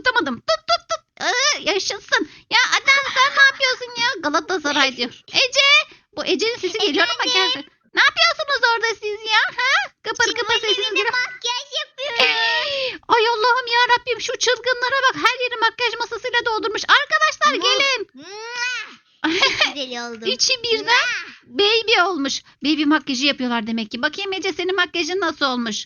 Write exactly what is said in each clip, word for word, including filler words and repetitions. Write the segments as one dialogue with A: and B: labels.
A: tutamadım. Tut tut tut. Ee, yaşasın. Ya Adem sen ne yapıyorsun ya? Galatasaray diyor. Ece. Bu Ece'nin sesi geliyor ama geldi. Ne yapıyorsunuz orada siz ya? Ha? Kıpır kıpır sesiniz geliyor.
B: Makyaj yapıyorum.
A: Ay Allah'ım ya Rabbim şu çılgınlara bak. Her yeri makyaj masasıyla doldurmuş. Arkadaşlar gelin.
B: Çok güzel oldum.
A: İçi birden baby olmuş. Baby makyajı yapıyorlar demek ki. Bakayım Ece senin makyajın nasıl olmuş?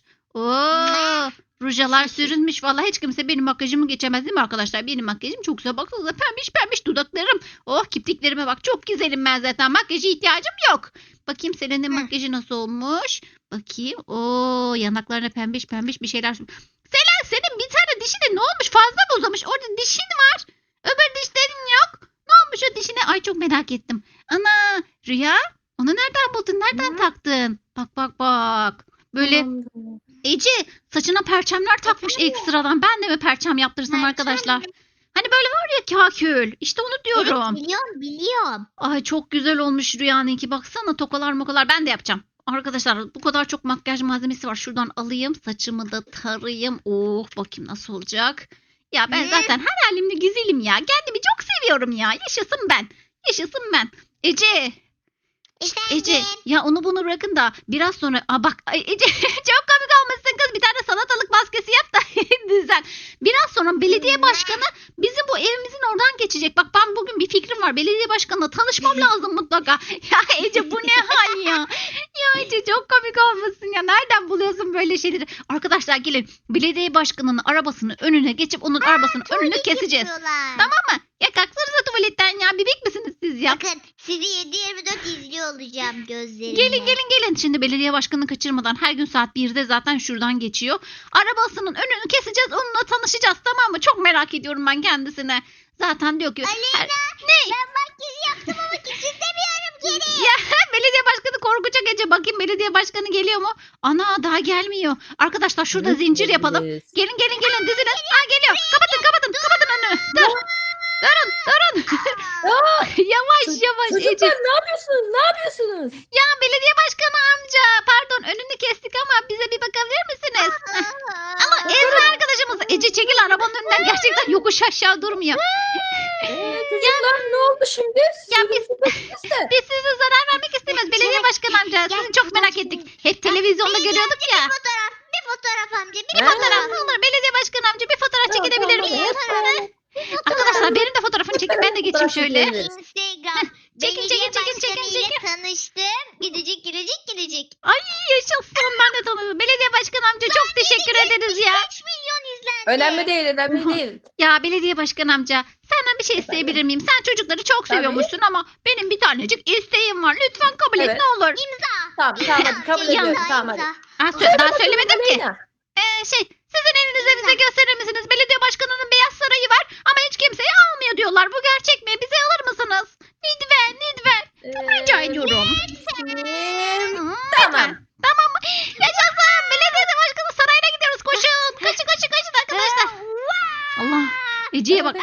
A: Oo, rujalar sürünmüş. Vallahi hiç kimse benim makyajımı geçemez değil mi arkadaşlar? Benim makyajım çok güzel. Baksanıza pembiş pembiş dudaklarım. Oh kirpiklerime bak. Çok güzelim ben zaten. Makyaja ihtiyacım yok. Bakayım senin de makyajı nasıl olmuş? Bakayım. Oo, yanaklarına pembiş pembiş bir şeyler. Selen senin bir tane dişi de ne olmuş? Fazla mı uzamış? Orada dişin var. Öbür dişlerin yok. Ne olmuş o dişine? Ay çok merak ettim. Ana Rüya onu nereden buldun? Nereden
C: Hı?
A: taktın? Bak bak bak. Böyle
C: Tamamdır.
A: Ece saçına perçemler takmış ekstradan. Ben de mi perçem yaptırsam
B: Perçem
A: arkadaşlar?
B: mi?
A: Hani böyle var ya kakül. İşte onu diyorum.
B: Evet biliyorum biliyorum.
A: Ay çok güzel olmuş Rüya'nınki. Baksana tokalar mokalar. Ben de yapacağım. Arkadaşlar bu kadar çok makyaj malzemesi var. Şuradan alayım. Saçımı da tarayayım. Oh bakayım nasıl olacak. Ya ben
B: Hı?
A: zaten her halimde güzelim ya. Kendimi çok seviyorum ya. Yaşasın ben. Yaşasın ben. Ece.
B: Efendim.
A: Ece ya onu bunu bırakın da biraz sonra aa bak ay, Ece çok komik olmuşsun kız bir tane salatalık maskesi yap da düzen. Biraz sonra belediye başkanı bizim bu evimizin oradan geçecek. Bak ben bugün bir fikrim var. Belediye başkanına tanışmam lazım mutlaka. Ya Ece bu ne hal ya? Ya Ece çok komik olmuşsun ya. Nereden buluyorsun böyle şeyleri? Arkadaşlar gelin belediye başkanının arabasının önüne geçip onun arabasının önünü keseceğiz.
B: Yapıyorlar.
A: Tamam mı? Ya kalksanıza tuvaletten ya. Bebek misiniz siz ya?
B: Bakın sizi yedi yirmi dört izliyor olacağım gözlerimle.
A: Gelin gelin gelin. Şimdi belediye başkanını kaçırmadan her gün saat birde zaten şuradan geçiyor. Arabasının önünü keseceğiz. Onunla tanışacağız tamam mı? Çok merak ediyorum ben kendisine. Zaten diyor ki.
B: Aleyna
A: her- Ne?
B: ben makyaj yaptım ama istemiyorum geri.
A: Ya belediye başkanı korkacak Ece. Bakayım belediye başkanı geliyor mu? Ana daha gelmiyor. Arkadaşlar şurada
C: Evet,
A: zincir yapalım.
C: evet.
A: Gelin gelin gelin dizinin. Ha geliyor. Kapatın kapatın kapatın önünü. Dur. Durun durun.
C: Aa,
A: Yavaş
C: ço-
A: yavaş Ece.
C: Çocuklar ne yapıyorsunuz? Ne yapıyorsunuz?
A: Ya belediye başkanı amca pardon önünü kestik ama bize bir bakabilir misiniz? Ama Ezra arkadaşımız Ece çekil arabanın önünden gerçekten yokuş aşağı durmuyor.
C: Ee, çocuklar ne oldu şimdi?
A: Ya biz-
C: Siz de.
A: Biz size zarar vermek istemiyoruz belediye başkanı amca. Sizi çok merak ettik. Hep televizyonda görüyorduk ya.
B: Bir fotoğraf, bir fotoğraf amca, bir
A: Bir
C: Ha.
A: fotoğraf ne olur belediye başkanı amca bir fotoğraf çekilebilir
C: Tamam,
A: miyiz?
C: tamam.
A: Arkadaşlar benim de fotoğrafını çekin ben de geçeyim
C: Fotoğraf
A: şöyle.
C: çekelim.
B: Instagram.
A: Çekin,
B: Belediye
A: çekin, çekin, çekin,
B: başkanıyla tanıştım. Gidecek, gidecek, gidecek.
A: Ay yaşasın ben de tanıdım. Belediye başkanı amca çok teşekkür ederiz ya.
B: kaç milyon izlendi.
C: Önemli değil, önemli değil.
A: Ya belediye başkanı amca senden bir şey isteyebilir miyim? Sen çocukları çok
C: Tabii.
A: seviyormuşsun ama benim bir tanecik isteğim var. Lütfen kabul et
C: Evet.
A: ne olur.
B: İmza.
C: Tamam, tamam hadi kabul
A: Ya.
C: ediyorum. Tamam hadi.
B: İmza.
A: Ha, sö-
C: Söyle
A: daha
C: bakalım
A: söylemedim ki.
C: Aleyna.
A: Ee, şey sizin evinize bize gösterir misiniz? Belediye başkanının beyaz sarayı var ama hiç kimseyi almıyor diyorlar. Bu gerçek mi? Bize alır mısınız? Lütfen lütfen.
C: Ee,
A: Rica ediyorum.
C: Ee,
A: Hmm,
C: Tamam.
A: lütfen. Tamam mı? Yaşasın. Belediye başkanı sarayına gidiyoruz. Koşun. Kaçın kaçın kaçın arkadaşlar. Allah. Ece'ye bak.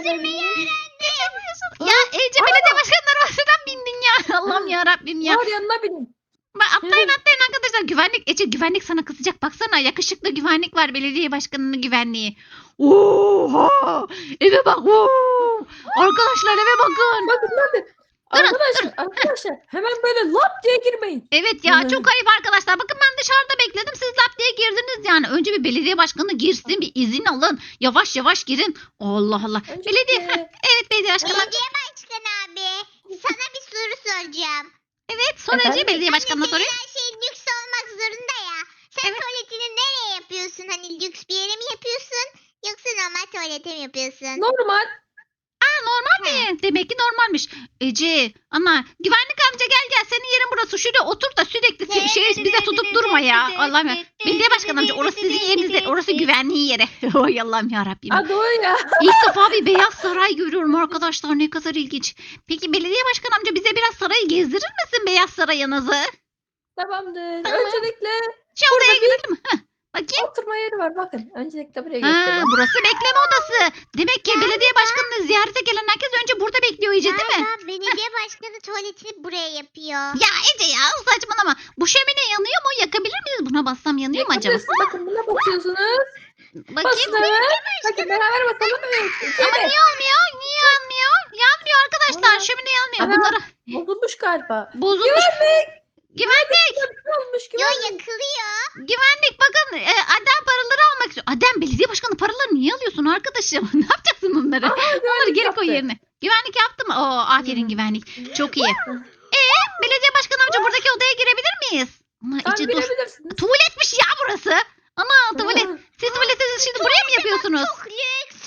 A: Ya Ece belediye başkanının arabasından bindin ya. Allah'ım ya Rabbim ya.
C: Var yanına binin.
A: Bak, atlayın atlayın arkadaşlar. Güvenlik Ece güvenlik sana kızacak. Baksana yakışıklı güvenlik var. Belediye başkanının güvenliği. Oha! Eve bak. Oo! Arkadaşlar eve bakın.
C: Bakın bakın. Arkadaşlar, arkadaşlar hemen böyle lap diye girmeyin.
A: Evet ya
C: Hı.
A: çok ayıp arkadaşlar. Bakın ben dışarıda bekledim. Siz lap diye girdiniz yani. Önce bir belediye başkanı girsin. Bir izin alın. Yavaş yavaş girin. Allah Allah.
C: Önce
A: Belediye.
C: e,
A: Heh, evet belediye başkanı.
B: Belediye başkanı abi. Sana bir soru soracağım.
A: Evet sonra Ece
C: Efendim?
A: belediye başkanına
B: Hani
A: soruyor.
B: senin her şey lüks olmak zorunda ya. Sen
A: Evet.
B: tuvaletini nereye yapıyorsun? Hani lüks bir yere mi yapıyorsun? Yoksa normal tuvalete mi yapıyorsun?
C: normal.
A: Normal mi? Demek ki normalmiş. Ece, ana güvenlik amca gel gel senin yerin burası. Şuraya otur da sürekli se- şey bize tutup durma ya. Allah'ım ya. Belediye başkanı amca orası sizin yeriniz değil. Orası güvenliği yeri. Oy Allah'ım ya Rabbim.
C: Ha doğru ya.
A: İlk defa bir beyaz saray görüyorum arkadaşlar. Ne kadar ilginç. Peki belediye başkanı amca bize biraz sarayı gezdirir misin beyaz sarayınızı?
C: Tamamdır.
A: Tamam.
C: Öncelikle
A: Şu odaya
C: Burada bir-
A: gidelim. Heh, bakayım.
C: oturma yeri var bakın. Öncelikle buraya
A: Ha,
C: göstereyim.
A: burası bekleme odası. Demek ki belediye başkanını ziyarete gelen herkes önce burada bekliyor Ece değil mi?
B: Galiba belediye başkanı tuvaletini buraya yapıyor.
A: Ya Ece ya saçmalama. Bu şömine yanıyor mu? Yakabilir miyiz? Buna bassam yanıyor mu acaba?
C: Yakabilirsin. Bakın buna basıyorsunuz.
A: Bakayım.
C: Basın hemen. Hadi beraber bakalım. Evet.
A: Ama
C: Evet.
A: niye olmuyor? Niye yanmıyor? Yanmıyor arkadaşlar.
C: Aa,
A: Şömine yanmıyor.
C: ana.
A: Bunları
C: Bozulmuş galiba.
A: bozulmuş.
C: Güvenlik.
A: Güvenlik.
C: Olmuş
B: Yo
C: güvenlik.
B: yakılıyor.
A: Güvenlik bakın. E, Adem paraları almak istiyor. Adem belediye başkanı paraları niye alıyorsun arkadaşım? Ne yapacaksın bunları?
C: Aha,
A: Onları
C: güvenlik
A: geri koy
C: yaptı.
A: yerine. Güvenlik yaptı mı? Oo, aferin
C: Hmm.
A: güvenlik. Çok iyi. Ee, belediye başkanı amca buradaki odaya girebilir miyiz? Ama
C: Sen
A: Ece dur.
C: bilebilirsiniz.
A: Tuvaletmiş ya burası. Ana tuvalet. Siz tuvaleti şimdi buraya mı yapıyorsunuz?
B: Çok lüks.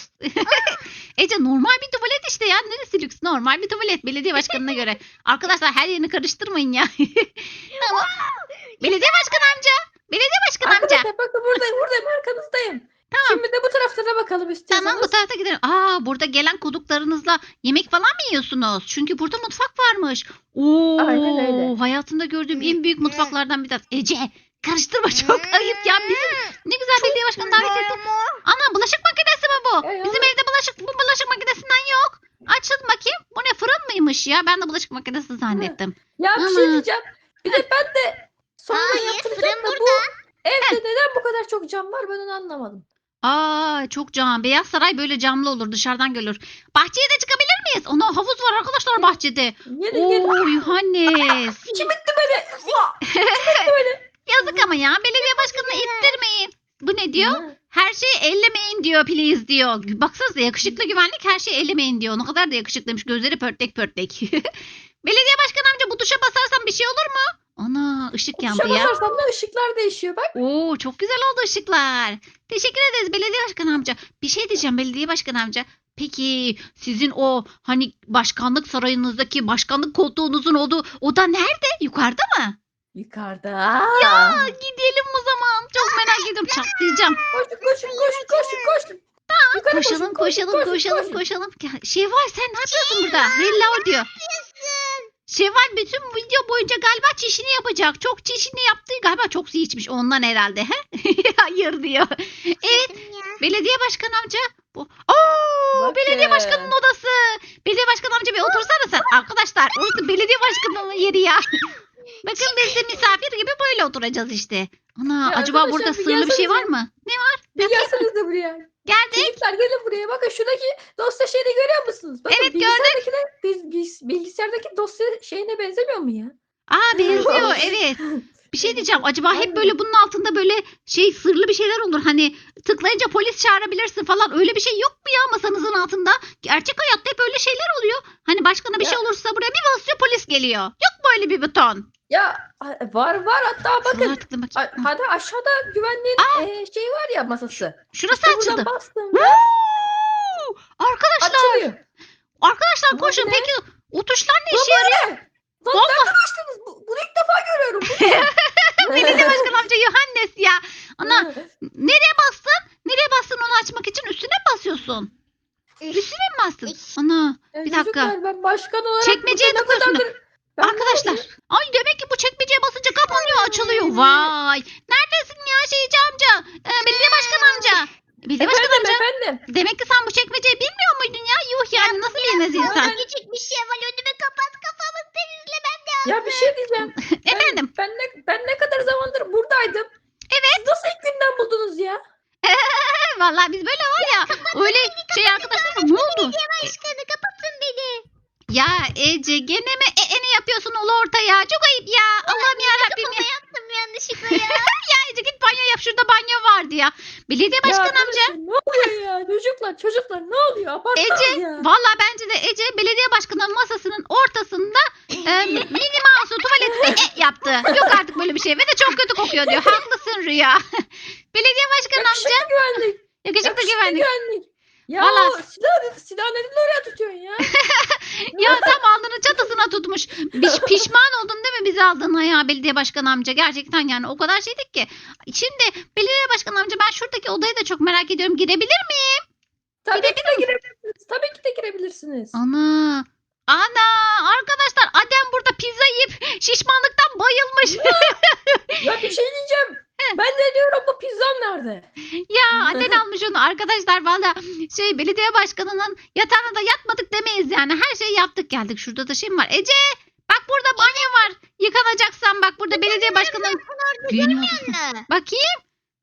A: Ece normal bir tuvalet işte ya. Neresi lüks? Normal bir tuvalet belediye başkanına göre. Arkadaşlar her yerini karıştırmayın ya. Tamam. Belediye başkanı amca. Belediye başkanı amca.
C: Arkadaşlar bakın buradayım buradayım arkanızdayım.
A: Tamam.
C: Şimdi de bu taraflara bakalım istiyorsanız.
A: Tamam bu tarafa gidelim. Aa burada gelen konuklarınızla yemek falan mı yiyorsunuz? Çünkü burada mutfak varmış. Oo,
C: Aynen öyle.
A: hayatımda gördüğüm en büyük mutfaklardan bir tanesi. Ece karıştırma çok ayıp ya. Bizim ne güzel belediye başkanı davet ettin. Ana bulaşık makinesi mi bu?
C: Ey,
A: Bizim
C: ana.
A: evde bulaşık bu bulaşık makinesinden yok. Açın bakayım. Bu ne fırın mıymış ya? Ben de bulaşık makinesi zannettim.
C: Ya bir
A: Ama-
C: şey diyeceğim. Bir de ben de sonra
B: Hayır,
C: yaptıracağım
B: fırın
C: da bu evde neden bu kadar çok cam var ben onu anlamadım.
A: Aa çok cam. Beyaz Saray böyle camlı olur. Dışarıdan görülür. Bahçeye de çıkabilir miyiz? Ana havuz var arkadaşlar bahçede.
C: Gelin gelin.
A: Oo Yuhannes.
C: Kim itti beni? Uah!
A: Yazık ama ya. Belediye başkanını ittirmeyin. Bu ne diyor?
C: Ha,
A: Her şeyi ellemeyin diyor please diyor. Baksanıza yakışıklı güvenlik her şeyi ellemeyin diyor. Ne kadar da yakışıklıymış. Gözleri pörtlek pörtlek. Belediye başkanı amca bu tuşa basarsam bir şey olur mu? Ana ışık yandı
C: Tuşa
A: ya.
C: basarsam da ışıklar değişiyor bak.
A: Oo çok güzel oldu ışıklar. Teşekkür ederiz belediye başkanı amca. Bir şey diyeceğim belediye başkanı amca. Peki sizin o hani başkanlık sarayınızdaki başkanlık koltuğunuzun olduğu oda nerede? Yukarıda mı?
C: Yukarıda.
A: Ya gidelim o zaman. Çok merak ediyorum. Çatlayacağım.
C: Koşun koşun koşun koşun koşun. Yukarı
A: Koşalım
C: koşun,
A: koşalım
C: koşun,
A: koşalım
C: koşun.
A: koşalım. Ya, Şevval sen ne yapıyorsun burada? Hello diyor. Şevval bütün video boyunca galiba çişini yapacak. Çok çişini yaptı. Galiba çok su içmiş ondan herhalde. He? Hayır diyor. Evet. Belediye başkanı amca. Bu. Oo,
C: Bakın.
A: belediye başkanının odası. Belediye başkanı amca bir otursana sen. Arkadaşlar orası belediye başkanının yeri ya. Bakın biz de misafir gibi böyle oturacağız işte. Ana
C: Ya
A: acaba
C: arkadaşlar,
A: burada
C: bir
A: sırlı bir şey var
C: gelsenize.
A: mı? Ne var?
C: Bir gelseniz buraya.
A: Geldik.
C: Çocuklar gelin buraya. Bakın şuradaki dosya şeyini görüyor musunuz? Bakın,
A: Evet,
C: bilgisayardaki de, biz, biz, bilgisayardaki dosya şeyine benzemiyor mu ya?
A: Aa benziyor evet. Bir şey diyeceğim. Acaba hep
C: Aynen.
A: böyle bunun altında böyle şey sırlı bir şeyler olur. Hani tıklayınca polis çağırabilirsin falan. Öyle bir şey yok mu ya masanızın altında? Gerçek hayatta hep öyle şeyler oluyor. Hani başkana bir
C: Ya.
A: şey olursa buraya bir basıyor polis geliyor. Yok mu öyle bir buton?
C: Ya var var hatta bakın.
A: Şuralara tıkla bakayım.
C: A- Hadi aşağıda güvenliğin e, şeyi var ya masası.
A: Şurası
C: İşte
A: açıldı.
C: buradan bastım.
A: Woo! Arkadaşlar,
C: Açılıyor.
A: arkadaşlar
C: Bu
A: koşun.
C: ne?
A: Peki o tuşlar ne
C: Lan
A: işe yarıyor?
C: Lan nereden açtınız? Bu, bunu ilk defa görüyorum.
A: Belediye başkanı amca Yohannes ya. Ana nereye bastın? Nereye bastın onu açmak için? Üstüne mi basıyorsun? Üstüne mi bastın?
B: Üf.
A: Ana
C: E,
A: bir dakika.
C: çocuklar, ben başkan olarak
A: Çekmeceye
C: burada ne
A: tıklıyorsun.
C: kadardır- Ben
A: Arkadaşlar. Ay demek ki bu çekmeceye basınca kapanıyor açılıyor. Vay. Neredesin ya şeyci amca? Ee, belediye başkanı amca. Belediye başkanı
C: Efendim
A: amca.
C: efendim.
A: Demek ki sen bu çekmeceyi bilmiyor muydun ya? Yuh yani nasıl bilmez insan?
B: Küçük bir şey var önüme kapat kafamı temizlemem lazım.
C: Ya bir şey diyeceğim. Ben-
A: Efendim.
C: Ben ne, ben ne kadar zamandır buradaydım.
A: Evet.
C: Siz nasıl ilk günden buldunuz ya?
A: Vallahi biz böyle var ya. Öyle şey arkadaşlar ne oldu?
B: Başkanı kapatın beni.
A: Ya Ece gene mi e, e, ne yapıyorsun ulu orta ya? Çok ayıp ya. Allah'ım yarabbim ya.
B: Kafama yaptım yanlışlıkla ya.
A: Ya Ece git banyo yap. Şurada banyo vardı ya. Belediye
C: Ya
A: başkanı amca.
C: arkadaşlar, ne oluyor ya? Çocuklar çocuklar ne oluyor? Abartmayın
A: Ece
C: ya.
A: vallahi bence de Ece belediye başkanının masasının ortasında e, mini mouse'u tuvaletinde e yaptı. Yok artık böyle bir şey ve de çok kötü kokuyor diyor. Haklısın Rüya. Belediye başkanı amca
C: Yakışıklı güvenlik.
A: yakışıklı
C: Yakışıklı
A: güvenlik.
C: güvenlik. Ya
A: Vallahi-
C: o silah, silah neden oraya tutuyorsun ya?
A: Ya tam alnının çatısına tutmuş. Piş, pişman oldun değil mi bizi aldığına ya belediye başkanı amca? Gerçekten yani o kadar şeydik ki. Şimdi belediye başkanı amca ben şuradaki odayı da çok merak ediyorum. Girebilir miyim?
C: Tabii ki de girebilirsiniz. Tabii ki de girebilirsiniz.
A: Ana. Ana arkadaşlar Adem burada pizza yiyip şişmanlıktan bayılmış.
C: Ya bir şey diyeceğim. Ben de diyorum bu pizzam nerede?
A: Ya Adem almış onu arkadaşlar valla şey belediye başkanının yatağına da yatmadık demeyiz yani her şeyi yaptık geldik. Şurada da şey mi var? Ece bak burada banyo var. Yıkanacaksan bak burada belediye başkanının düğünü var.
B: Anne.
A: Bakayım.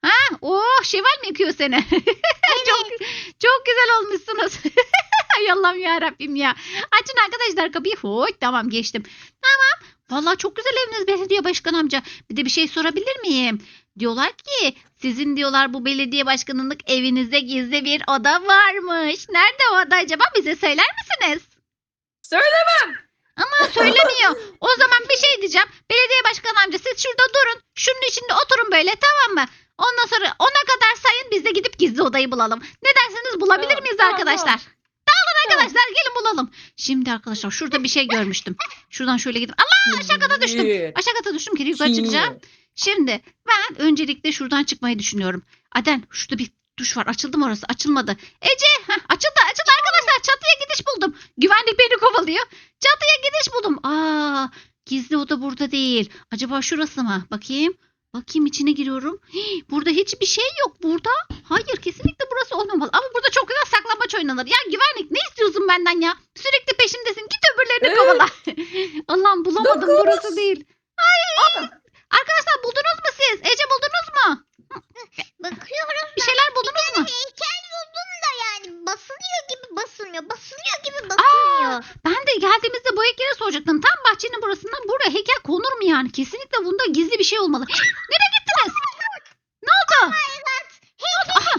A: Ha? Oh, şeval mi yıkıyor seni? çok çok güzel olmuşsunuz. Ay Allah'ım ya Rabbim ya. Açın arkadaşlar kapıyı. Hoy, tamam geçtim. Tamam. Vallahi çok güzel eviniz belediye başkan amca. Bir de bir şey sorabilir miyim? Diyorlar ki sizin diyorlar bu belediye başkanlık evinizde gizli bir oda varmış. Nerede o oda acaba? Bize söyler misiniz?
C: Söylemem.
A: Ama söylemiyor. O zaman bir şey diyeceğim. Belediye başkan amca siz şurada durun. Şunun içinde oturun böyle, tamam mı? Ondan sonra ona kadar sayın, biz de gidip gizli odayı bulalım. Ne dersiniz, bulabilir
C: Tamam,
A: miyiz
C: tamam,
A: arkadaşlar?
C: tamam.
A: Arkadaşlar gelin bulalım. Şimdi arkadaşlar şurada bir şey görmüştüm. Şuradan şöyle gidip Allah aşağı kata düştüm.
C: Bir,
A: Aşağı kata düştüm ki yukarı
C: iki.
A: çıkacağım. Şimdi ben öncelikle şuradan çıkmayı düşünüyorum. Aden şurada bir duş var. Açıldı mı orası? Açılmadı. Ece heh, açıldı açıldı arkadaşlar. Çatıya gidiş buldum. Güvenlik beni kovalıyor. Çatıya gidiş buldum. Aa, gizli oda burada değil. Acaba şurası mı? Bakayım. Bakayım içine giriyorum. Hii, burada hiçbir şey yok burada. Hayır, kesinlikle burası olmamalı. Ama burada çok güzel saklambaç oynanır. Ya güvenlik, ne istiyorsun benden ya? Sürekli peşimdesin. Git öbürlerini
C: Evet.
A: kovala. Allah'ım bulamadım.
C: Dokuz.
A: Burası değil. Ay. Arkadaşlar buldunuz mu siz? Ece buldunuz mu?
B: Bakıyorum.
A: Bir şeyler buldunuz mu?
B: Heykel buldum da yani basılıyor gibi basılmıyor. Basılıyor gibi basılmıyor.
A: Ben de geldiğimizde bu heykeli soracaktım. Tam bahçenin burasından buraya heykel konur mu yani? Kesinlikle bunda gizli bir şey olmalı. Nereye gittiniz? Ne oldu? Ne oldu? Aha,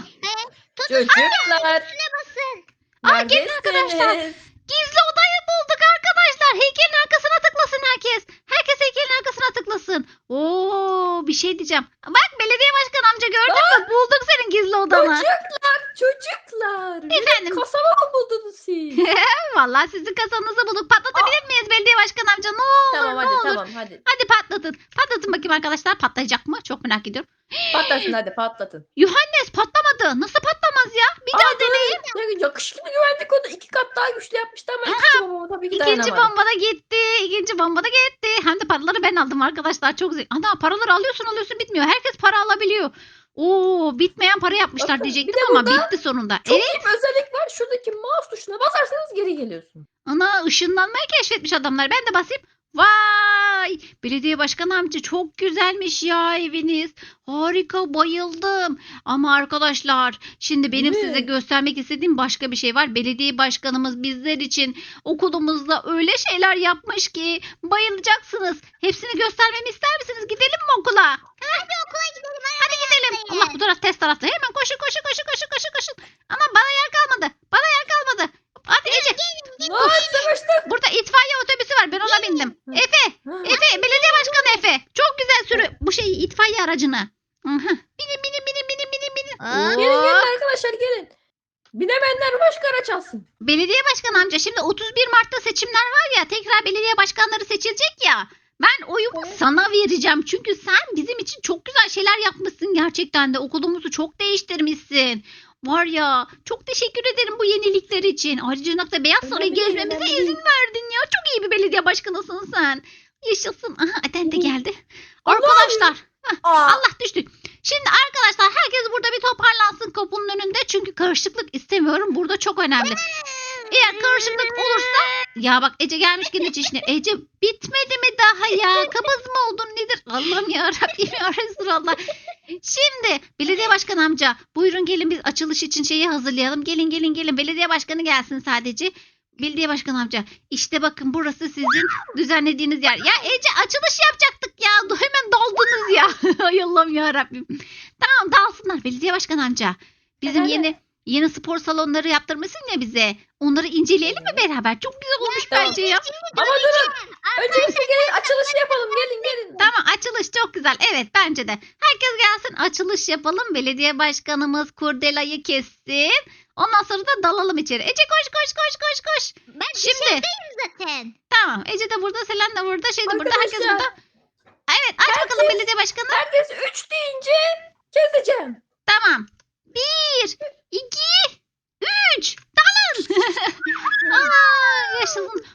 C: Çocuklar.
B: Üstüne basın.
A: Aa, gelin arkadaşlar.
C: Neredesiniz?
A: gizli odayı bulduk arkadaşlar. Heykelin arkasına tıklasın herkes. Herkes heykelin arkasına tıklasın. Oo, bir şey diyeceğim. Bak belediye başkan amca, gördün mü? Bulduk senin gizli odanı.
C: Çocuklar, çocuklar. Benim
A: Efendim?
C: Kasaba mı buldunuz siz?
A: Vallahi sizin kasanızı bulduk. Patlatabilir miyiz belediye başkan amca? Ne olur,
C: Tamam
A: ne
C: hadi
A: olur.
C: tamam hadi.
A: Hadi patlatın. Patlatın bakayım arkadaşlar. Patlayacak mı? Çok merak ediyorum.
C: Patlasın hadi patlatın.
A: Yuhannes patlamadı. Nasıl patlamaz ya? Bir daha
C: Aa,
A: deneyin.
C: böyle yakışıklı güvenlik onu iki kat daha güçlü yapmıştı ama ikinci babama tabii ki
A: İkinci
C: dayanamadım.
A: bomba da gitti. İkinci bomba da gitti. Hem de paraları ben aldım arkadaşlar. Çok zevkli. Ana, paraları alıyorsun alıyorsun bitmiyor. Herkes para alabiliyor. Oo, bitmeyen para yapmışlar
C: Bakın,
A: diyecektim
C: bir de
A: ama
C: burada
A: bitti sonunda.
C: Çok
A: Evet.
C: iyi bir özellik var. Şuradaki mouse tuşuna basarsanız geri geliyorsun.
A: Ana, ışınlanmayı keşfetmiş adamlar. Ben de basayım. Vay! Belediye başkanı amca çok güzelmiş ya eviniz. Harika, bayıldım. Ama arkadaşlar şimdi benim
C: Değil mi?
A: size göstermek istediğim başka bir şey var. Belediye başkanımız bizler için okulumuzda öyle şeyler yapmış ki bayılacaksınız. Hepsini göstermemi ister misiniz? Gidelim mi okula?
B: Hadi okula gidelim.
A: Hadi gidelim. Allah, bu taraf test tarafta. Hemen koşun koşun koşun koşun koşun koşun. Ama bana yer kalmadı. Bana yer kalmadı. Hadi Ece.
C: Vay savaştık.
A: Burada itfaiye otobüsü var. Ben ona bindim. Efe. Efe, belediye başkanı Efe. Çok güzel sürü bu şey itfaiye aracını. Aha. Binin binin binin binin binin binin.
B: Aa,
C: Gelin
A: Oo.
C: gelin arkadaşlar gelin. Binemeyenler başka araç alsın.
A: Belediye başkanı amca, şimdi otuz bir Mart'ta seçimler var ya, tekrar belediye başkanları seçilecek ya. Ben oyumu
C: Evet.
A: sana vereceğim. Çünkü sen bizim için çok güzel şeyler yapmışsın gerçekten de. Okulumuzu çok değiştirmişsin. Var ya, çok teşekkür ederim bu yenilikler için. Ayrıca da Beyaz Sarayı
C: Önemli değil,
A: gezmemize
C: önemli
A: izin
C: değil.
A: verdin ya. Çok iyi bir belediye başkanısın sen. Yaşasın. Aha, Aden de
C: Evet.
A: geldi.
C: Allah'ım.
A: Arkadaşlar.
C: Aa,
A: Allah düştü. Şimdi arkadaşlar herkes burada bir toparlansın kapının önünde. Çünkü karışıklık istemiyorum. Burada çok önemli. Eğer karışıklık olursa, ya bak Ece gelmiş gene çişine. Ece bitmedi mi daha ya? Kabız mı oldun nedir? Allah'ım ya Rabbim ya Resulallah. Şimdi belediye başkanı amca, buyurun gelin biz açılış için şeyi hazırlayalım. Gelin gelin gelin, belediye başkanı gelsin sadece. Belediye başkanı amca, işte bakın burası sizin düzenlediğiniz yer. Ya Ece, açılış yapacaktık ya. Hemen daldınız ya. Ay Allah'ım ya Rabbim. Tamam, dalsınlar belediye başkanı amca. Bizim
C: Efendim?
A: yeni yeni spor salonları yaptırmışsın ya bize. Onları inceleyelim mi beraber? Çok güzel olmuş
C: Tamam.
A: bence ya.
C: ama durun. Öncelikle gelin açılışı yapalım. Gelin gelin.
A: Tamam, açılış çok güzel. Evet, bence de. Herkes gelsin, açılış yapalım. Belediye başkanımız kurdelayı kessin. Ondan sonra da dalalım içeri. Ece koş koş koş koş koş.
B: ben
A: Şimdi
B: dışarıdayım zaten.
A: tamam, Ece de burada, Selen de burada, şey de burada, herkes
C: Arkadaşlar.
A: burada. Evet, aç
C: Herkes-
A: bakalım belediye başkanı.
C: Herkes üç deyince keseceğim.
A: Tamam. Bir, iki, üç. Dalın. Aa, yaşasın.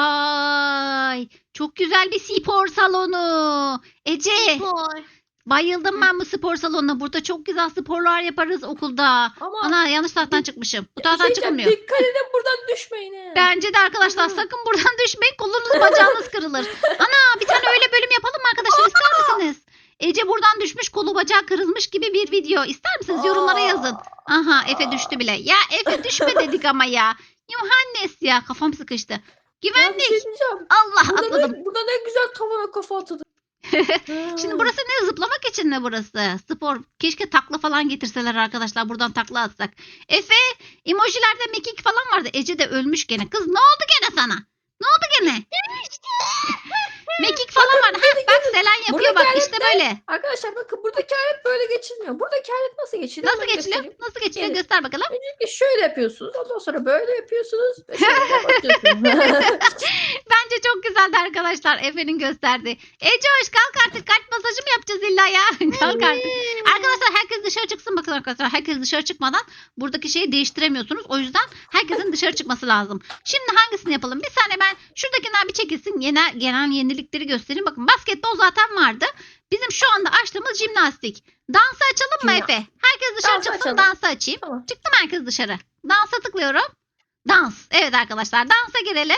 A: Vay. Çok güzel bir spor salonu. Ece,
B: Spor.
A: bayıldım ben bu spor salonuna. Burada çok güzel sporlar yaparız okulda.
C: Ama
A: Ana, yanlış taraftan çıkmışım. Bu
C: bir
A: taraftan
C: şey diyeceğim,
A: çıkılmıyor.
C: dikkat edin buradan düşmeyin. he.
A: Bence de arkadaşlar sakın buradan düşmeyin. Kolunuz bacağınız kırılır. Ana, bir tane öyle bölüm yapalım mı arkadaşlar, ister misiniz? Ece buradan düşmüş, kolu bacağı kırılmış gibi bir video. İster misiniz? Yorumlara yazın. Aha, Efe düştü bile. Ya Efe düşme dedik ama ya. Yuhannes ya, kafam sıkıştı.
C: Ya bir
A: Güvenlik.
C: şey diyeceğim.
A: Allah,
C: Burada
A: atladım.
C: ne, burada ne güzel tavana kafa atıldı.
A: Şimdi burası ne, zıplamak için mi burası? Spor. Keşke takla falan getirseler arkadaşlar. Buradan takla atsak. Efe, emojilerde mekik falan vardı. Ece de ölmüş gene. Kız ne oldu gene sana? Ne oldu gene? Mekik falan vardı. Heh, bak Selen yapıyor
C: Buradaki
A: bak.
C: alet
A: İşte
C: ne?
A: böyle.
C: Arkadaşlar bakın buradaki alet böyle geçilmiyor. Buradaki alet nasıl geçiliyor?
A: Nasıl
C: Hemen
A: geçiliyor?
C: göstereyim.
A: Nasıl geçiliyor?
C: Evet.
A: Göster bakalım.
C: Öncelikle şöyle yapıyorsunuz. Ondan sonra böyle yapıyorsunuz. Ve şöyle kapatıyorsunuz.
A: Bence çok güzeldi arkadaşlar. Efe'nin gösterdiği. Ece hoş, kalk artık. Kalp masajı mı yapacağız illa ya? Kalk artık. Arkadaşlar herkes dışarı çıksın, bakın arkadaşlar. Herkes dışarı çıkmadan buradaki şeyi değiştiremiyorsunuz. O yüzden herkesin dışarı çıkması lazım. Şimdi hangisini yapalım? Bir saniye, ben şuradakinden bir çekilsin. Genel, genel yenilikleri göstereyim. Bakın basketbol zaten vardı. Bizim şu anda açtığımız jimnastik. Dansı açalım mı
C: Jimna-
A: Efe? Herkes dışarı
C: Dansı
A: çıksın,
C: açalım.
A: dansı açayım.
C: Tamam.
A: Çıktım herkes dışarı. Dansa tıklıyorum. Dans. Evet arkadaşlar, dansa girelim.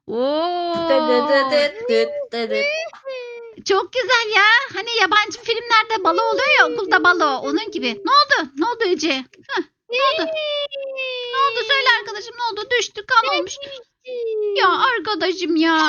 A: Oo.
C: Dı dı dı dı dı dı dı.
A: Çok güzel ya. Hani yabancı filmlerde balo oluyor ya, okulda balo. Onun gibi. Ne oldu? Ne oldu Ece? Heh, ne oldu? Ne oldu? Söyle arkadaşım, ne oldu? Düştü, kan olmuş. Ya arkadaşım ya.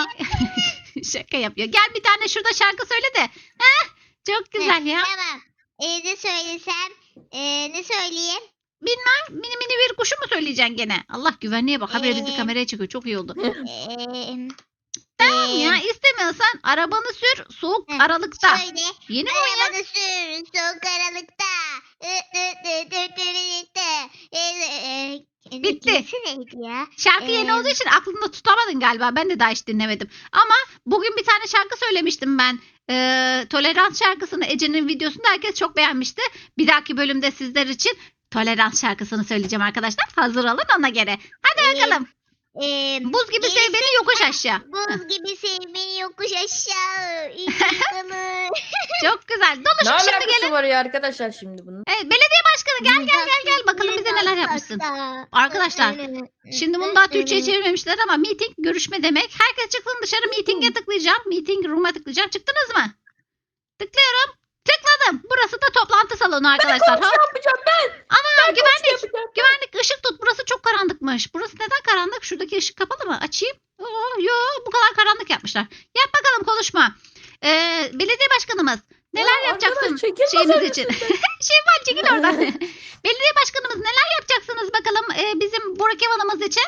A: Şaka yapıyor. Gel bir tane şurada şarkı söyle de. Heh, çok güzel ya.
B: Tamam. Ee, ne söylesem? Ee, ne söyleyeyim?
A: Mini mini bir kuşu mu söyleyeceksin gene? Allah, güvenliğe bak. Habire bizi
B: Ee.
A: kameraya çıkıyor. Çok iyi oldu.
B: Ee,
A: Tamam
B: ee,
A: ya, istemiyorsan arabanı sür soğuk
B: Heh,
A: aralıkta.
B: Söyle.
A: Yeni mi oyun ya?
B: Arabanı sür soğuk aralıkta. Ü, ü, ü, ü, ü, ü, ü. Ee, e, e,
A: Bitti.
B: gerisi neydi ya?
A: Şarkı yeni
B: Ee,
A: olduğu için aklında tutamadın galiba. Ben de daha hiç dinlemedim. Ama bugün bir tane şarkı söylemiştim ben. Ee, Tolerans şarkısını Ece'nin videosunda herkes çok beğenmişti. Bir dahaki bölümde sizler için Tolerans şarkısını söyleyeceğim arkadaşlar. Hazır olun ona göre. Hadi
B: Ee,
A: bakalım.
B: e,
A: Buz gibi sev
B: gerisi-
A: beni yokuş aşağı.
B: Buz gibi sev beni yokuş aşağı. İnsanı.
A: Çok güzel.
C: Ne
A: Doluşun şimdi
C: alakası
A: gelin.
C: var ya arkadaşlar şimdi bunun?
A: Evet, belediye başkanı gel gel gel gel. Bakalım bize neler yapmışsın. Arkadaşlar, Şimdi bunu daha Türkçe'ye çevirmemişler ama meeting görüşme demek. Herkes çıksın dışarı, meeting'e tıklayacağım. Meeting room'a tıklayacağım. Çıktınız mı? Tıklıyorum. Tıkladım. Burası da toplantı salonu arkadaşlar.
C: Konuşma yapacağım ben.
A: Ama
C: Ben
A: güvenlik.
C: konuşma yapacağım.
A: Güvenlik, ışık tut. Burası çok karanlıkmış. Burası neden karanlık? Şuradaki ışık kapalı mı? Açayım. Oo, yo, bu kadar karanlık yapmışlar. Yap bakalım, konuşma. Ee, belediye başkanımız. Neler
C: Ya
A: yapacaksın
C: arkadaş, çekil
A: şeyimiz
C: masanın
A: için?
C: üstünden.
A: Şevval çekil oradan. Belediye başkanımız, neler yapacaksınız bakalım e, bizim Burak Evan'ımız için?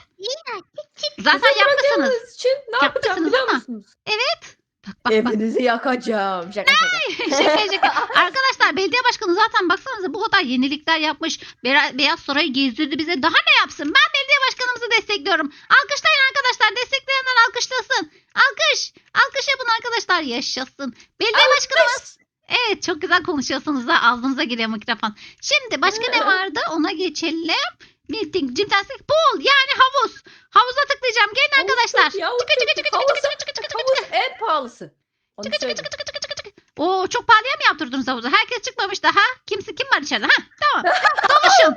A: Zaten
C: Bizi
A: yapmışsınız.
C: bırakacağınız için ne yapacağım
A: Yapmışsınız
C: biliyor
A: ama.
C: musunuz?
A: Bak bak bak.
C: Evinizi yakacağım. Şaka şaka.
A: şaka şaka. Arkadaşlar, belediye başkanı zaten baksanıza bu kadar yenilikler yapmış. Be- Beyaz Sarayı gezdirdi bize. Daha ne yapsın? Ben belediye başkanımızı destekliyorum. Alkışlayın arkadaşlar. Destekleyenler alkışlasın. Alkış. Alkış yapın arkadaşlar. Yaşasın. Belediye başkanımız. Evet, çok güzel konuşuyorsunuz da ağzınıza giriyor mikrofon. Şimdi başka ne vardı? Ona geçelim. Meeting, jimnastik, pool yani havuz. Havuza tıklayacağım. Gelin arkadaşlar.
C: Ya,
A: Çıkı çıkı çıkı çıkı
C: havuz-
A: çıkı çıkı çıkı çıkı.
C: Havuz en pahalısı. Onu
A: Çıkı çıkı
C: söyleyeyim.
A: çıkı çıkı çıkı çıkı. Oo, çok pahalıya mı yaptırdınız havuzu? Herkes çıkmamış daha. Kimse kim var içeride? Ha, tamam. Doluşun.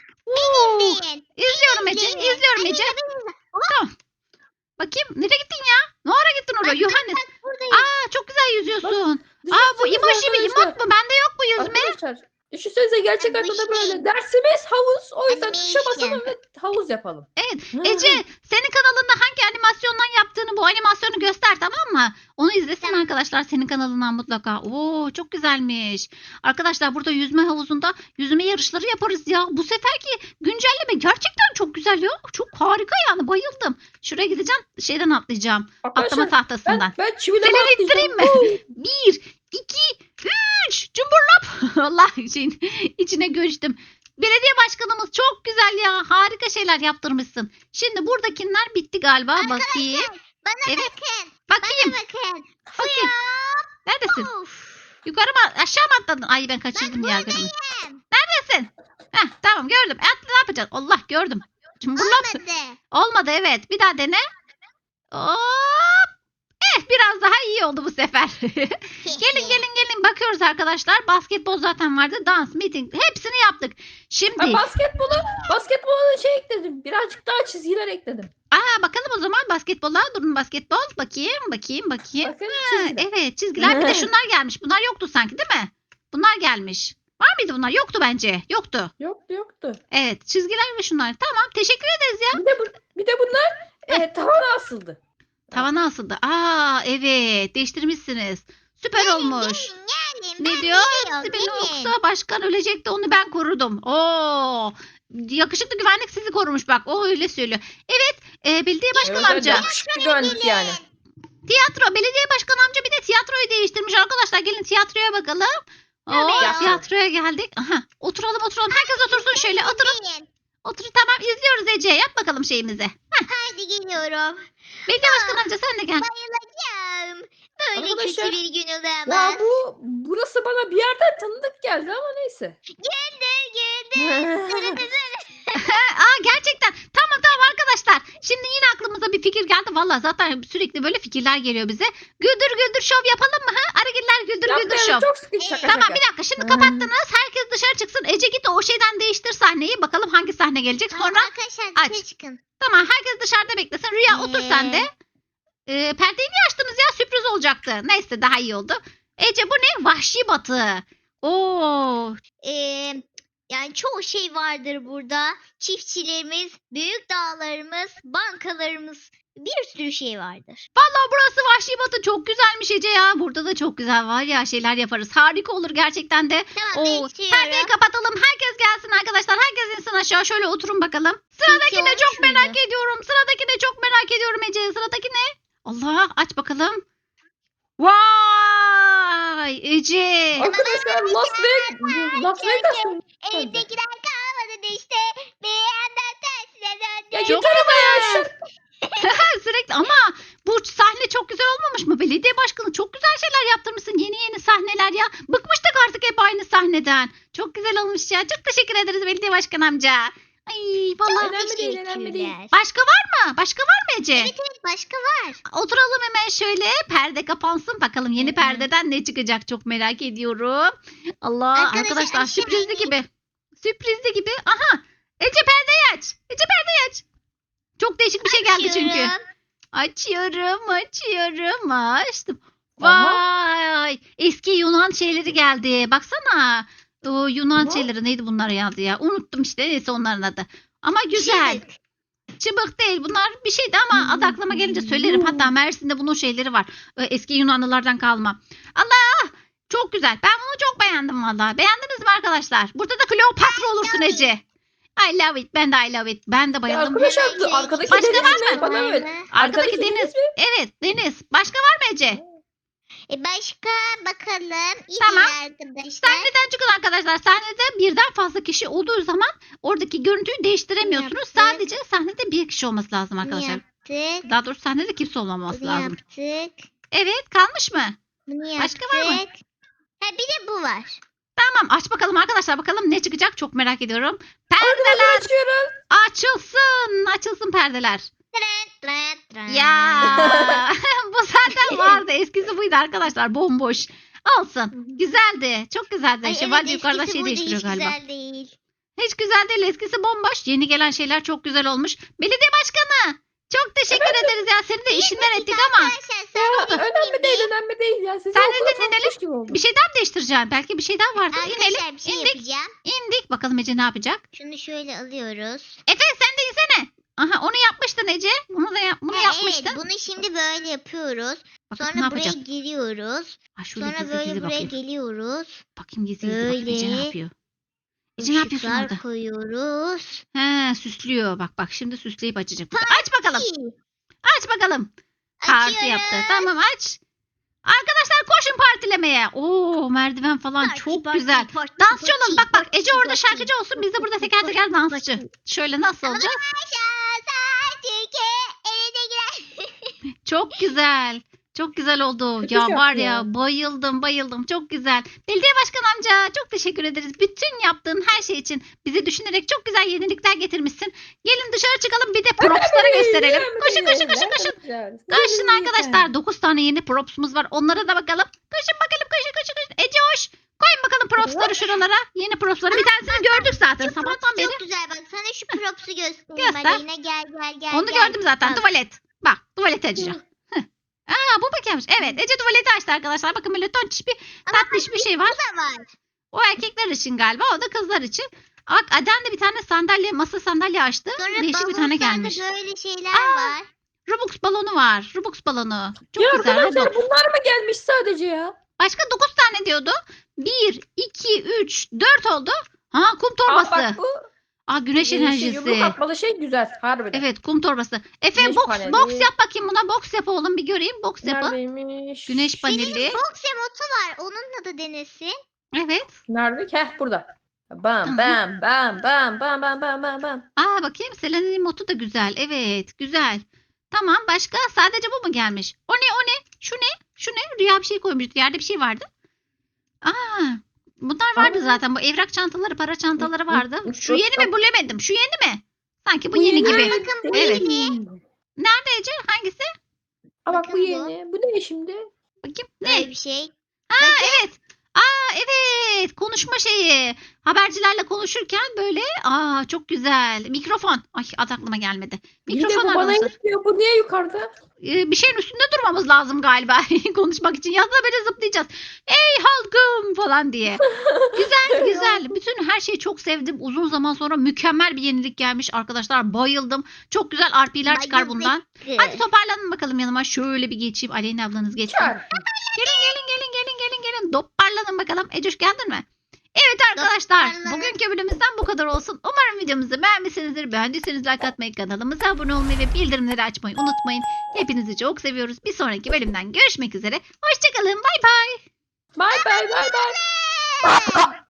A: Oo,
B: Benim.
A: İzliyorum Ece.
B: Benim.
A: İzliyorum Ece. Tamam. Bakayım, nereye gittin ya? Ne ara gittin oraya? Yohannes.
B: Buradayım.
A: Aa, çok güzel yüzüyorsun. Aa, bu
C: Düşünsenize
A: emoji mi?
C: arkadaşlar.
A: Emot mu? Bende yok bu yüzme.
C: Arkadaşlar düşünsenize gerçek
B: Ben bu
C: hayatta da
B: işi-
C: böyle. Dersimiz havuz. O yüzden
B: Ben bu
C: tuşa
B: işi-
C: basalım ve havuz yapalım.
A: Evet.
C: Hı.
A: Ece, senin kanalında hangi animasyondan yaptığını, bu animasyonu göster, tamam mı? Onu izlesin
B: Tamam.
A: arkadaşlar senin kanalından mutlaka. Oo, çok güzelmiş. Arkadaşlar, burada yüzme havuzunda yüzme yarışları yaparız ya. Bu seferki güncelleme gerçekten çok güzel ya. Çok harika yani, bayıldım. Şuraya gideceğim, şeyden atlayacağım. Atlama
C: Arkadaşlar
A: tahtasından.
C: ben, ben çivileme
A: Seni
C: atlayacağım.
A: ittireyim mi?
C: Oo.
A: Bir, iki, üç. Cumburlop. Allah, şeyin içine göçtüm. Belediye başkanımız çok güzel ya. Harika şeyler yaptırmışsın. Şimdi buradakiler bitti galiba. Bakayım.
B: Bana
A: Evet.
B: bakın.
A: Bakayım.
B: Bana bakın.
A: Bakayım. Neredesin?
B: Of.
A: Yukarı mı? Aşağı mı atladın? Ay, ben kaçırdım ya. Görmedim.
B: Buradayım.
A: Neredesin? Heh, tamam, gördüm. At, ne yapacağız? Allah, gördüm. Cumburlop.
B: Olmadı.
A: Olmadı, evet. Bir daha dene. Hop. Eh, biraz daha iyi oldu bu sefer. Gelin gelin gelin, bakıyoruz arkadaşlar. Basketbol zaten vardı. Dans, meeting, hepsini yaptık. Şimdi
C: Ha, basketbolu, basketbolu şey ekledim. Birazcık daha çizgiler ekledim.
A: Aa bakalım o zaman basketbola. Durun basketbol. Bakayım bakayım bakayım.
C: Bakın
A: Ha,
C: çizgiler.
A: evet çizgiler bir de şunlar gelmiş. Bunlar yoktu sanki değil mi? Bunlar gelmiş. Var mıydı bunlar? Yoktu bence. Yoktu.
C: Yoktu yoktu.
A: Evet çizgiler ve şunlar. Tamam teşekkür ederiz ya.
C: Bir de, bu, bir de bunlar e, tavana asıldı.
A: Tavana asıldı. Aa evet değiştirmişsiniz. Süper olmuş.
B: Gelin gelin.
A: Ne
B: Ben
A: diyor?
B: geliyorum,
A: Sibel
B: gelin.
A: yoksa başkan ölecekti onu ben korudum. Oo, yakışıklı güvenlik sizi korumuş bak. O öyle söylüyor. Evet e, belediye başkan
C: Evet,
A: amca.
C: yakışıklı güvenlik yani.
A: Tiyatro belediye başkan amca bir de tiyatroyu değiştirmiş arkadaşlar. Gelin tiyatroya bakalım. Oo,
B: Tabii.
A: tiyatroya geldik. Aha, oturalım oturalım. Herkes otursun şöyle. Oturun.
B: Gelin.
A: Otur tamam izliyoruz Ece. Yap bakalım şeyimizi.
B: Haydi geliyorum.
A: Belediye başkan amca sen de gel.
B: Bayılacağım. Böyle
C: Arkadaşlar,
B: kötü bir gün
C: Ya
B: olamaz.
C: bu burası bana bir yerden tanıdık geldi ama neyse.
B: Güldür güldür.
A: Aa gerçekten. Tamam tamam arkadaşlar. Şimdi yine aklımıza bir fikir geldi. Valla zaten sürekli böyle fikirler geliyor bize. Güldür güldür şov yapalım mı? Ha? Arıgiller güldür güldür şov.
C: Yapmayalım, çok sıkıntı şaka
A: Tamam
C: şaka.
A: bir dakika şimdi
C: Hmm.
A: kapattınız. Herkes dışarı çıksın. Ece git o şeyden değiştir sahneyi. Bakalım hangi sahne gelecek.
B: Tamam,
A: Sonra
B: arkadaşlar
A: aç.
B: dışarı çıkın.
A: tamam herkes dışarıda beklesin. Rüya otur sen de. Ee, perdeyi niye açtınız ya? Sürpriz olacaktı. Neyse daha iyi oldu. Ece bu ne? Vahşi batı. Oo.
B: Ee, yani çoğu şey vardır burada. Çiftçilerimiz, büyük dağlarımız, bankalarımız, bir sürü şey vardır.
A: Vallahi burası Vahşi Batı çok güzelmiş Ece ya. Burada da çok güzel var ya şeyler yaparız. Harika olur gerçekten de.
B: Tamam
A: Oo,
B: bekliyorum.
A: perdeyi kapatalım. Herkes gelsin arkadaşlar. Herkes insin aşağı. Şöyle oturun bakalım. Sıradaki
B: Peki,
A: ne
B: olmuş
A: çok
B: muydu?
A: merak ediyorum. Sıradaki ne çok merak ediyorum Ece. Sıradaki ne? Allah aç bakalım. Vay Ece.
C: Arkadaşlar Las Vegas, Las Vegas mı?
B: Elimdekiler kalmadı işte. Bir yandan tersine döndü.
C: Ya
A: Çok
C: yeter ama ya.
A: güzel.
C: şu-
A: Sürekli ama bu sahne çok güzel olmamış mı? Belediye başkanı çok güzel şeyler yaptırmışsın. Yeni yeni sahneler ya. Bıkmıştık artık hep aynı sahneden. Çok güzel olmuş ya. Çok teşekkür ederiz belediye başkan amca. Ay vallahi.
C: Önemli değil, önemli değil.
B: Teşekkürler.
A: Başka var mı? Başka var mı Ece?
B: Evet evet başka var.
A: Oturalım hemen şöyle. Perde kapansın. Bakalım yeni
B: Hı hı.
A: perdeden ne çıkacak çok merak ediyorum. Allah
B: Arkadaşlar,
A: arkadaşlar
B: aşağı
A: sürprizli
B: inin.
A: gibi. Sürprizli gibi. Aha. Ece perdeyi aç. Ece perdeyi aç. Çok değişik bir şey geldi çünkü.
B: Açıyorum.
A: Açıyorum, açıyorum. Açtım.
C: Aha.
A: Vay! Eski Yunan şeyleri geldi. Baksana. O Yunan
C: Aha.
A: şeyleri neydi bunlar geldi ya? Unuttum işte neyse onların adı. Ama güzel.
B: Şık.
A: Çıbık değil. Bunlar bir şeydi ama adı aklıma gelince söylerim. Hatta Mersin'de bunun şeyleri var. Ee, Eski Yunanlılardan kalma. Allah! Çok güzel. Ben bunu çok beğendim valla. Beğendiniz mi arkadaşlar? Burada da Kleopatra olursun
B: love it.
A: Ece. I love it. Ben de I love it. Ben de
C: Ya
A: bayıldım.
C: arkadaşlar
B: Başka
C: arkadaki
A: var
C: deniz
A: mı?
C: ne? Bana evet.
A: Arkadaki
C: Arkadaki
A: deniz.
C: deniz mi?
A: Evet Deniz. Başka var mı Ece?
B: E başka bakalım. İyi
A: Tamam.
B: arkadaşlar.
A: Sahneden çıkın arkadaşlar. Sahnede birden fazla kişi olduğu zaman oradaki görüntüyü değiştiremiyorsunuz.
B: Yaptık.
A: Sadece sahnede bir kişi olması lazım
B: Bunu
A: arkadaşlar.
B: yaptık.
A: Daha doğrusu sahnede kimse olmaması
B: Bunu
A: lazım.
B: yaptık.
A: Evet kalmış mı?
B: Bunu yaptık.
A: Başka var mı?
B: Ha bir de bu var.
A: Tamam aç bakalım arkadaşlar bakalım ne çıkacak çok merak ediyorum. Perdeler
C: Arkadaşlar açıyoruz.
A: açılsın. Açılsın perdeler.
B: Tren, tren, tren.
A: Ya bu zaten vardı. Eskisi buydu arkadaşlar bomboş. Olsun. Güzeldi. Çok güzeldi.
B: Ay,
A: Şevval
B: evet,
A: yukarıda
B: eskisi
A: şey
B: buydu,
A: değiştiriyor
B: hiç
A: galiba.
B: güzel değil.
A: Hiç güzel değil. Eskisi bomboş. Yeni gelen şeyler çok güzel olmuş. Belediye başkanı. Çok teşekkür ederiz ya. Seni de işinden ettik ama.
B: Arkadaşlar
C: Ya,
B: sen
C: önemli değil önemli değil ya. Sizi
A: Sen
C: okula
A: neden inelim?
C: tanıtmış gibi oldum.
A: Bir şeyden mi değiştireceğim? Belki bir şeyden vardı. İnelim.
B: Arkadaşlar bir şey
A: indik.
B: yapacağım.
A: İndik. Bakalım Ece ne yapacak?
B: Şunu şöyle alıyoruz.
A: Efe sen de insene. Aha onu yapmıştın Ece. Bunu da yap bunu
B: Ha,
A: yapmıştın.
B: evet bunu şimdi böyle yapıyoruz.
A: Bakalım
B: Sonra
A: ne
B: buraya
A: yapacak?
B: giriyoruz.
A: Ha, şöyle
B: Sonra
A: gizli
B: böyle
A: gizli
B: buraya
A: bakayım.
B: geliyoruz.
A: Bakayım gizli gizli bakayım Ece ne
B: Böyle.
A: yapıyor? Ece ne yapıyorsun
B: Işıklar
A: orada?
B: koyuyoruz.
A: He süslüyor. Bak bak şimdi süsleyip açacak. Burada. Aç bakalım.
B: İyi.
A: Aç bakalım. Parti
B: Açıyorum.
A: yaptı. Tamam aç. Arkadaşlar koşun partilemeye. Oo merdiven falan
B: Parti,
A: çok
B: parti,
A: güzel.
B: parti,
A: Dansçı
B: parti,
A: olun. Bak bak
B: parti,
A: Ece orada
B: parti,
A: şarkıcı olsun. Biz de burada teker teker
B: parti,
A: dansçı.
B: parti.
A: Şöyle nasıl olacak? Çok güzel. Çok güzel oldu.
C: Kötü
A: Ya
C: şarkı
A: var ya
C: ya.
A: bayıldım bayıldım. Çok güzel. Belediye başkan amca çok teşekkür ederiz. Bütün yaptığın her şey için bizi düşünerek çok güzel yenilikler getirmişsin. Gelin dışarı çıkalım bir de propsları gösterelim. Koşun koşun koşun koşun. Koşun arkadaşlar. dokuz tane yeni propsumuz var. Onlara da bakalım. Koşun bakalım koşun koşun koşun. Ece hoş. Koyun bakalım propsları şuralara. Yeni propsları. Bir tanesini gördük zaten
B: Şu
A: sabahtan
B: props
A: beri.
B: çok güzel bak. Sana şu props'u göstereyim
A: Göster.
B: Aleyna. Gel gel gel.
A: Onu
B: gel.
A: gördüm zaten.
B: Bak.
A: Tuvalet. Bak tuvalet açacağım. Heh. Aa bu bakıyormuş. Evet Ece tuvaleti açtı arkadaşlar. Bakın böyle tonçiş bir
B: Ama
A: tatlış bir şey var.
B: bu da var.
A: O erkekler için galiba. O da kızlar için. Bak Aden de bir tane sandalye, masa sandalye açtı.
B: Sonra
A: Değişik bir tane
B: bavullarda
A: gelmiş.
B: böyle şeyler
A: Aa,
B: var.
A: Robux balonu var. Robux balonu. Çok
C: Ya
A: güzel.
C: arkadaşlar
A: Robux.
C: bunlar mı gelmiş sadece ya?
A: Başka dokuz tane diyordu. bir, iki, üç, dört oldu. Ha kum
C: Aa
A: torbası.
C: bak bu
A: Aa güneş
C: yeni şey,
A: enerjisi.
C: yumruk atmalı şey güzel. Harbiden.
A: Evet kum torbası. Efe
C: Güneş
A: box,
C: paneli.
A: box yap bakayım buna. Box yap oğlum bir göreyim. Box yapı.
C: Neredeymiş?
A: Güneş paneli.
B: Benim box emotu var. Onunla da denesin.
A: Evet.
C: Nerede? Heh burada. Bam
A: Tamam.
C: bam bam bam bam bam bam bam bam.
A: Aa bakayım Selena'nın motu da güzel. Evet güzel. Tamam başka sadece bu mu gelmiş? O ne o ne? Şu ne? Şu ne? Rüya bir şey koymuştu. Yerde bir şey vardı. Aa bunlar vardı
C: Aa.
A: zaten. Bu evrak çantaları, para çantaları
C: Hı, hı,
A: vardı.
C: hı,
A: Şu
C: hı,
A: yeni mi?
C: hı.
A: Bilemedim. Şu yeni mi? Sanki bu yeni
C: yeni.
A: gibi.
B: Bakın bu
A: Evet.
B: yeni.
A: Nerede Ece? Hangisi?
C: Aa bak bu
B: Bakın bu.
C: yeni. Bu ne şimdi?
A: Bakayım.
B: Böyle
A: Ne?
B: bir şey.
A: Aa evet. Aa evet. Konuşma şeyi. Habercilerle konuşurken böyle. Aa çok güzel. Mikrofon. Ay adı aklıma gelmedi.
C: Yine
A: Mikrofon
C: bu bana
A: arkadaşlar.
C: gitmiyor. Bu niye yukarıda?
A: Ee, bir şeyin üstünde durmamız lazım galiba konuşmak için. Yazda böyle zıplayacağız. Ey halkım falan diye. Güzel güzel. Bütün her şeyi çok sevdim. Uzun zaman sonra mükemmel bir yenilik gelmiş arkadaşlar. Bayıldım. Çok güzel R P'ler çıkar
B: Bayıldık.
A: bundan. Hadi toparlanın bakalım yanıma. Şöyle bir geçeyim. Aleyna ablanız geçsin.
C: Çar.
A: Gelin gelin gelin gelin gelin gelin. Toparlanın bakalım. Ecoş geldin mi? Evet arkadaşlar
B: Toparlanın.
A: bugünkü bölümümüzden bu kadar olsun. Umarım videomuzu beğenmişsinizdir. Beğendiyseniz like atmayı, kanalımıza abone olmayı ve bildirimleri açmayı unutmayın. Hepinizi çok seviyoruz. Bir sonraki bölümden görüşmek üzere. Hoşçakalın. Bay bay.
C: Bye bye bye bye.
B: Hey!